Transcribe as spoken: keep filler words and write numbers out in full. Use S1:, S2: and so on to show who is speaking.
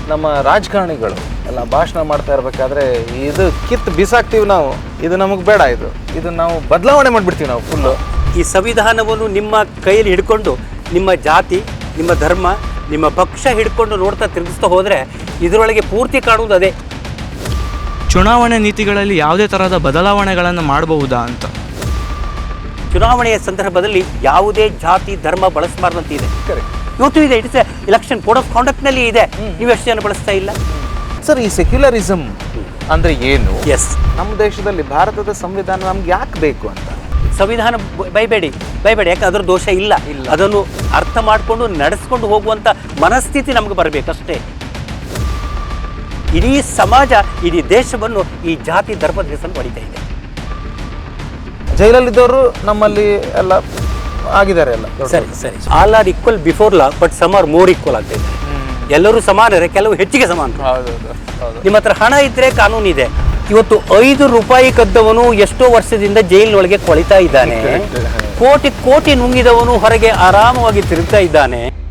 S1: ನಮ್ಮ ರಾಜಕಾರಣಿಗಳು ಎಲ್ಲ ಭಾಷಣ ಮಾಡ್ತಾ ಇರಬೇಕಾದ್ರೆ ಇದು ಕಿತ್ತು ಬಿಸಾಕ್ತೀವಿ ನಾವು, ಇದು ನಮಗೆ ಬೇಡ, ಇದು ಇದು ನಾವು ಬದಲಾವಣೆ ಮಾಡಿಬಿಡ್ತೀವಿ ನಾವು ಫುಲ್ಲು.
S2: ಈ ಸಂವಿಧಾನವನ್ನು ನಿಮ್ಮ ಕೈಯಲ್ಲಿ ಹಿಡ್ಕೊಂಡು ನಿಮ್ಮ ಜಾತಿ, ನಿಮ್ಮ ಧರ್ಮ, ನಿಮ್ಮ ಪಕ್ಷ ಹಿಡ್ಕೊಂಡು ನೋಡ್ತಾ ತಿರುಗಿಸ್ತಾ ಹೋದರೆ ಇದರೊಳಗೆ ಪೂರ್ತಿ ಕಾಣುವುದು ಅದೇ.
S3: ಚುನಾವಣೆ ನೀತಿಗಳಲ್ಲಿ ಯಾವುದೇ ಥರದ ಬದಲಾವಣೆಗಳನ್ನು ಮಾಡಬಹುದಾ ಅಂತ.
S2: ಚುನಾವಣೆಯ ಸಂದರ್ಭದಲ್ಲಿ ಯಾವುದೇ ಜಾತಿ ಧರ್ಮ ಬಳಸಬಾರ್ದಂತ ಇದೆ. ಇವತ್ತು ಇದೆ, ಇಟ್ಸ್ ಎಲೆಕ್ಷನ್ ಕೋಡ್ ಆಫ್ ಕಾಂಡಕ್ಟ್ನಲ್ಲಿ ಇದೆ. ನೀವು ಎಷ್ಟು ಜನ ಬಳಸ್ತಾ ಇಲ್ಲ
S1: ಸರ್? ಈ ಸೆಕ್ಯುಲರಿಸಮ್ ಅಂದರೆ ಏನು?
S2: ಎಸ್,
S1: ನಮ್ಮ ದೇಶದಲ್ಲಿ ಭಾರತದ ಸಂವಿಧಾನ ನಮ್ಗೆ ಯಾಕೆ ಬೇಕು ಅಂತ.
S2: ಸಂವಿಧಾನ ಬೈಬೇಡಿ ಬೈಬೇಡಿ ಯಾಕೆ ಅದರ ದೋಷ ಇಲ್ಲ ಇಲ್ಲ ಅದನ್ನು ಅರ್ಥ ಮಾಡಿಕೊಂಡು ನಡೆಸ್ಕೊಂಡು ಹೋಗುವಂಥ ಮನಸ್ಥಿತಿ ನಮಗೆ ಬರಬೇಕಷ್ಟೇ. ಇಡೀ ಸಮಾಜ, ಇಡೀ ದೇಶವನ್ನು ಈ ಜಾತಿ ಧರ್ಮದ ಹೆಸರು ಹೊಡಿತಾ ಇದೆ.
S1: ಜೈಲಲ್ಲಿದ್ದವರು ನಮ್ಮಲ್ಲಿ ಎಲ್ಲ ಆಗಿದ್ದಾರೆ ಎಲ್ಲ.
S2: ಸರಿ ಸರಿ all are equal before law, but some are more equal ಆಗ್ತಾ ಇದೆ. ಎಲ್ಲರೂ ಸಮಾನರೇ, ಕೆಲವು ಹೆಚ್ಚಿಗೆ ಸಮಾನ. ನಿಮ್ಮ ಹತ್ರ ಹಣ ಇದ್ರೆ ಕಾನೂನು ಇದೆ. ಇವತ್ತು ಐದು ರೂಪಾಯಿ ಕದ್ದವನು ಎಷ್ಟೋ ವರ್ಷದಿಂದ ಜೈಲಿನೊಳಗೆ ಕೊಳಿತಾ ಇದ್ದಾನೆ. ಕೋಟಿ ಕೋಟಿ ನುಂಗಿದವನು ಹೊರಗೆ ಆರಾಮವಾಗಿ ತಿರುಗ್ತಾ ಇದ್ದಾನೆ.